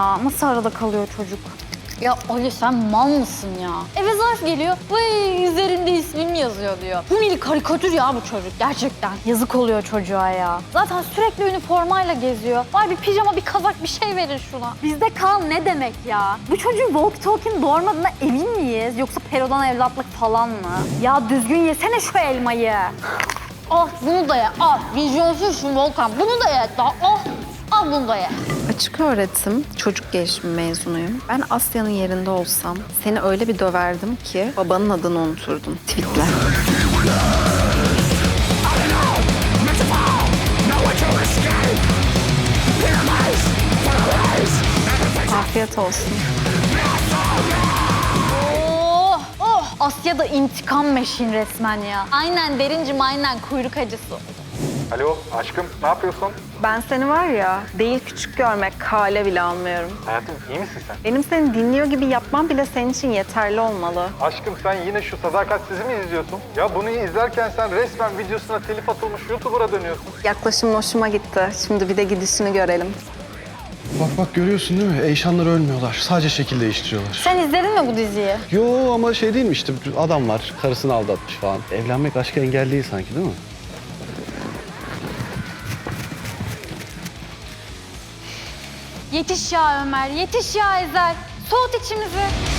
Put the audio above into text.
ya. Nasıl arada kalıyor çocuk? Ya Ali sen mal mısın ya? Eve zarf geliyor. Vay üzerinde ismim yazıyor diyor. Bu bir karikatür ya bu çocuk gerçekten. Yazık oluyor çocuğa ya. Zaten sürekli üniformayla geziyor. Var bir pijama, bir kazak, bir şey verin şuna. Bizde kal ne demek ya? Bu çocuğun walkie talkie'nin doğurmadığına emin miyiz? Yoksa perodan evlatlık falan mı? Ya düzgün yesene şu elmayı. Al bunu da ye. Al. Vizyonsuzsun Volkan. Bunu da ye. Al. Al bunu da ye. Açık öğretim, çocuk gelişimi mezunuyum. Ben Asya'nın yerinde olsam seni öyle bir döverdim ki babanın adını unuturdun. Tweetler. Afiyet olsun. Asya'da intikam meşin resmen ya. Aynen Derincim aynen kuyruk acısı. Alo aşkım ne yapıyorsun? Ben seni var ya, değil küçük görmek, kale bile almıyorum. Hayatım iyi misin sen? Benim seni dinliyor gibi yapmam bile senin için yeterli olmalı. Aşkım sen yine şu Sadakatsiz'i mi izliyorsun? Ya bunu izlerken sen resmen videosuna telif atılmış YouTuber'a dönüyorsun. Yaklaşım hoşuma gitti. Şimdi bir de gidişini görelim. Bak görüyorsun değil mi? Eyşanlar ölmüyorlar. Sadece şekil değiştiriyorlar. Sen izledin mi bu diziyi? Yo ama şey değil mi işte adam var karısını aldatmış falan. Evlenmek aşka engel değil sanki değil mi? Yetiş ya Ömer, yetiş ya Ezel. Soğut içimizi.